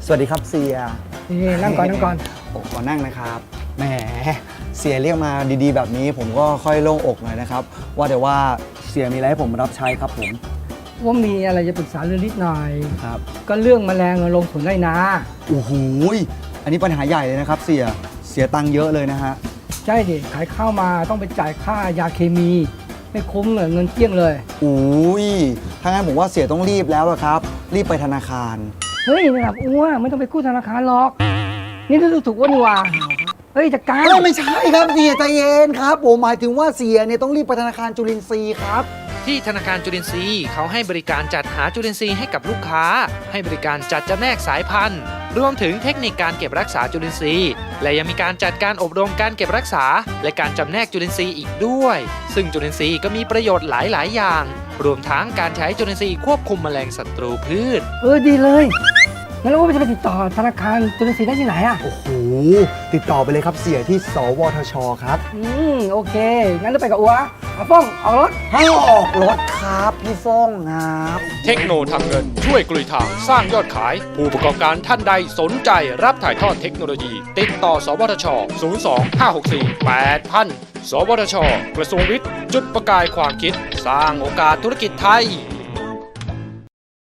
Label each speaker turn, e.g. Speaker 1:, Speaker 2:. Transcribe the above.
Speaker 1: สวัสดีครับเสีย
Speaker 2: นี่นั่งก่อนนั่งก่อน
Speaker 1: ขอนั่งนะครับแหมเสียเรียกมาดีๆแบบนี้ผมก็ค่อยโล่งอกหน่อยนะครับว่าแต่ว่าเสียมีอะไรให้ผมรับใช้ครับผม
Speaker 2: ว่ามีอะไรจะปรึกษาเรื่องนิดหน่อย
Speaker 1: ครับ
Speaker 2: ก็เรื่องแมลงลงสวนไร่นา
Speaker 1: โอ้โหอันนี้ปัญหาใหญ่เลยนะครับเสียตังค์เยอะเลยนะฮะ
Speaker 2: ใช่ดิขายข้าวมาต้องไปจ่ายค่ายาเคมี ไม่คุ้มเลยเงินเกลี้ยงเลย
Speaker 1: อุ้ยถ้างั้นผมว่าเสียต้องรีบแล้วอะครับ รีบไปธนาคาร
Speaker 2: เฮ้ยนะครับอ้วนไม่ต้องไปกู้ธนาคารหรอก นี่รู้ถูกอ้วนนี่หว่าเฮ้ยจัดการ
Speaker 1: ไม่ใช่ครับเสียใจเย็นครับผมหมายถึงว่าเสียเนี่ยต้องรีบไปธนาคารจุลินทรีย์ครับ
Speaker 3: ที่ธนาคารจุลินทรีย์เขาให้บริการจัดหาจุลินทรีย์ให้กับลูกค้า ให้บริการจัดจำแนกสายพันธุ์ รวมถึงเทคนิคการเก็บรักษาจุลินทรีย์ และยังมีการจัดการอบรมการเก็บรักษา และการจำแนกจุลินทรีย์อีกด้วย ซึ่งจุลินทรีย์ก็มีประโยชน์หลายอย่าง รวมทั้งการใช้จุลินทรีย์ควบคุมแมลงศัตรูพืช
Speaker 2: ดีเลยงั้นเราจะไปติดต่อธนาคารจุลินทรีย์ได้ที่ไหนอ่ะ
Speaker 1: โอ้โหติดต่อไปเลยครับเสียที่สวทชครับ
Speaker 2: โอเคงั้นเราไปกับอ้วเอาฟ้องเอารถ
Speaker 1: ให้ออกรถครับพี่ฟ้องครับ
Speaker 4: เทคโนทำเงินช่วยกลุยทางสร้างยอดขาย ผู้ประกอบการท่านใดสนใจรับถ่ายทอดเทคโนโลยี ติดต่อ สวทช 02-564-8000 สวทช กระทรวงวิทย์ จุดประกายความคิด สร้างโอกาสธุรกิจไทย